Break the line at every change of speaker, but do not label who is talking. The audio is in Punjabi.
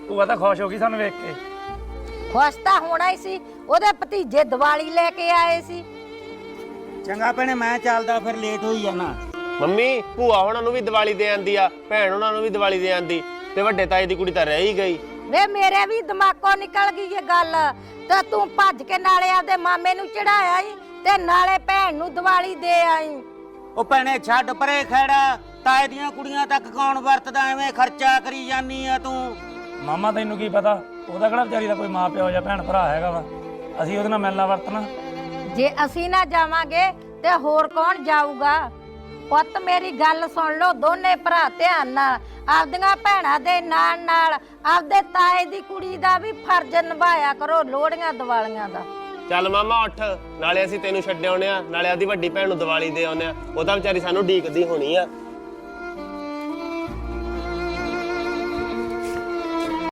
ਭੂਆ ਤਾਂ ਖੁਸ਼ ਹੋ ਗਈ ਸਾਨੂੰ ਵੇਖ ਕੇ।
ਖੁਸ਼ ਤਾਂ ਹੋਣਾ ਹੀ ਸੀ, ਉਹਦੇ ਭਤੀਜੇ ਦੀਵਾਲੀ ਲੈ ਕੇ ਆਏ ਸੀ।
ਚੰਗਾ ਭੈਣੇ ਮੈਂ ਚੱਲਦਾ, ਫਿਰ ਲੇਟ ਹੋਈ ਜਾਣਾ।
ਮੰਮੀ ਭੂਆ ਉਹਨਾਂ ਨੂੰ ਵੀ ਦੀਵਾਲੀ ਦੇ ਆਂਦੀ ਆ, ਭੈਣ ਉਹਨਾਂ ਨੂੰ ਵੀ ਦੀਵਾਲੀ ਦੇ ਆਂਦੀ, ਤੇ ਵੱਡੇ ਤਾਏ ਦੀ ਕੁੜੀ ਤਾਂ ਰਹਿ ਹੀ ਗਈ।
ਵੇ ਮੇਰੇ ਵੀ ਦਿਮਾਗੋਂ ਨਿਕਲ ਗਈ ਇਹ ਗੱਲ, ਤੇ ਤੂੰ ਭੱਜ ਕੇ ਨਾਲੇ ਆਪਦੇ ਮਾਮੇ ਨੂੰ ਚੜਾਇਆ ਈ ਤੇ ਨਾਲੇ ਭੈਣ ਨੂੰ ਦੀਵਾਲੀ ਦੇ ਆਈ।
ਉਹ ਭੈਣੇ ਛੱਡ ਪਰੇ ਖੈੜਾ, ਤਾਏ ਦੀਆਂ ਕੁੜੀਆਂ ਤੱਕ ਕੌਣ ਵਰਤਦਾ, ਐਵੇਂ ਖਰਚਾ ਕਰੀ ਜਾਨੀ ਆ ਤੂੰ।
ਮਾਮਾ ਤੈਨੂੰ ਕੀ ਪਤਾ, ਉਹਦਾ ਕਿਹੜਾ ਵਿਚਾਰੀ ਦਾ ਕੋਈ ਮਾਂ ਪਿਓ ਜਾਂ ਭੈਣ ਭਰਾ ਹੈਗਾ ਵਾ, ਅਸੀਂ ਉਹਦੇ ਨਾਲ ਮਿਲਣਾ ਵਰਤਣਾ।
ਜੇ ਅਸੀਂ ਨਾ ਜਾਵਾਂਗੇ ਤੇ ਹੋਰ ਕੌਣ ਜਾਊਗਾ? ਪੁੱਤ ਮੇਰੀ ਗੱਲ ਸੁਣ ਲਓ ਦੋਨੇ ਭਰਾ ਧਿਆਨ ਨਾਲ, ਆਪਦੀਆਂ ਭੈਣਾਂ ਦੇ ਨਾਲ ਨਾਲ ਆਪਦੇ ਤਾਏ ਦੀ ਕੁੜੀ ਦਾ ਵੀ ਫਰਜ਼ ਨਿਭਾਇਆ ਕਰੋ ਲੋਹੜੀਆਂ ਦੀਵਾਲੀਆਂ ਦਾ।
ਚੱਲ ਮਾਮਾ ਉੱਠ, ਨਾਲੇ ਅਸੀਂ ਤੈਨੂੰ ਛੱਡ ਆਉਣੇ ਆ, ਨਾਲੇ ਆਦੀ ਵੱਡੀ ਭੈਣ ਨੂੰ ਦੀਵਾਲੀ ਦੇ ਆਉਣੇ ਆ, ਉਹ ਤਾਂ ਵਿਚਾਰੀ ਸਾਨੂੰ ਢੀਕਦੀ ਹੋਣੀ ਆ।